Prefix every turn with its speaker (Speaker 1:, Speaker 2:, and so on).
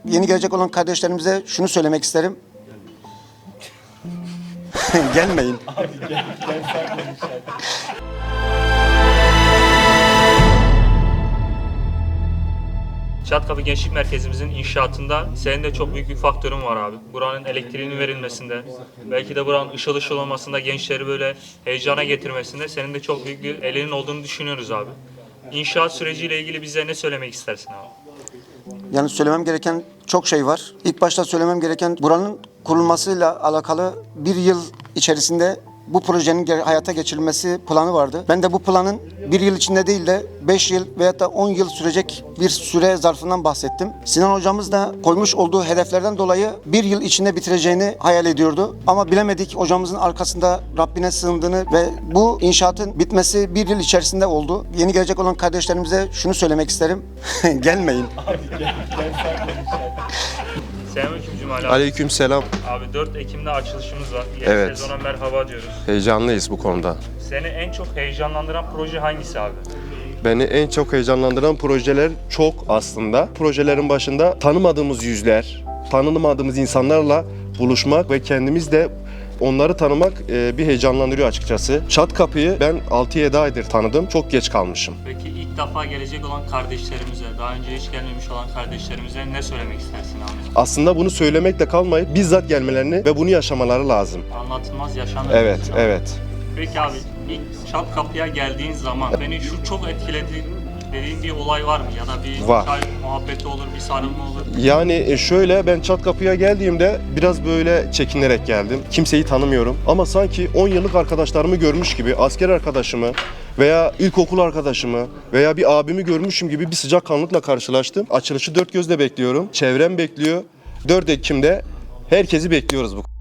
Speaker 1: yeni gelecek olan kardeşlerimize şunu söylemek isterim. Gelmeyin.
Speaker 2: Abi gel sen konuş.
Speaker 3: Çatkapı Gençlik Merkezimizin inşaatında senin de çok büyük bir faktörün var abi. Buranın elektriğinin verilmesinde, belki de buranın ışıl ışıl olmasında, gençleri böyle heyecana getirmesinde senin de çok büyük bir elinin olduğunu düşünüyoruz abi. İnşaat süreciyle ilgili bize ne söylemek istersin abi?
Speaker 1: Yani söylemem gereken çok şey var. İlk başta söylemem gereken buranın kurulmasıyla alakalı bir yıl içerisinde bu projenin hayata geçirilmesi planı vardı. Ben de bu planın bir yıl içinde değil de 5 yıl veyahut da 10 yıl sürecek bir süre zarfından bahsettim. Sinan hocamız da koymuş olduğu hedeflerden dolayı bir yıl içinde bitireceğini hayal ediyordu. Ama bilemedik, hocamızın arkasında Rabbine sığındığını ve bu inşaatın bitmesi bir yıl içerisinde oldu. Yeni gelecek olan kardeşlerimize şunu söylemek isterim. Gelmeyin.
Speaker 2: Abi gel sen konuş.
Speaker 3: Selamünaleyküm Cumali abi.
Speaker 4: Aleykümselam.
Speaker 3: Abi 4 Ekim'de açılışımız var. Yeni
Speaker 4: Evet.
Speaker 3: sezona merhaba diyoruz.
Speaker 4: Heyecanlıyız bu konuda.
Speaker 3: Seni en çok heyecanlandıran proje hangisi abi?
Speaker 4: Beni en çok heyecanlandıran projeler çok aslında. Projelerin başında tanımadığımız yüzler, tanımadığımız insanlarla buluşmak ve kendimiz de onları tanımak bir heyecanlandırıyor açıkçası. Çatkapı'yı ben 6-7 aydır tanıdım. Çok geç kalmışım.
Speaker 3: Peki ilk defa gelecek olan kardeşlerimize, daha önce hiç gelmemiş olan kardeşlerimize ne söylemek istersin abi?
Speaker 4: Aslında bunu söylemekle kalmayıp bizzat gelmelerini ve bunu yaşamaları lazım.
Speaker 3: Anlatılmaz yaşanır.
Speaker 4: Evet,
Speaker 3: diyorsun abi.
Speaker 4: evet.
Speaker 3: Peki abi ilk Çatkapı'ya geldiğin zaman beni şu çok etkiledi dediğin bir olay var mı? Ya da bir
Speaker 4: Var.
Speaker 3: çay muhabbeti olur, bir sarılma olur.
Speaker 4: Yani şöyle, ben Çatkapı'ya geldiğimde biraz böyle çekinerek geldim. Kimseyi tanımıyorum ama sanki 10 yıllık arkadaşlarımı görmüş gibi, asker arkadaşımı veya ilkokul arkadaşımı veya bir abimi görmüşüm gibi bir sıcakkanlılıkla karşılaştım. Açılışı dört gözle bekliyorum. Çevrem bekliyor. 4 Ekim'de herkesi bekliyoruz bu.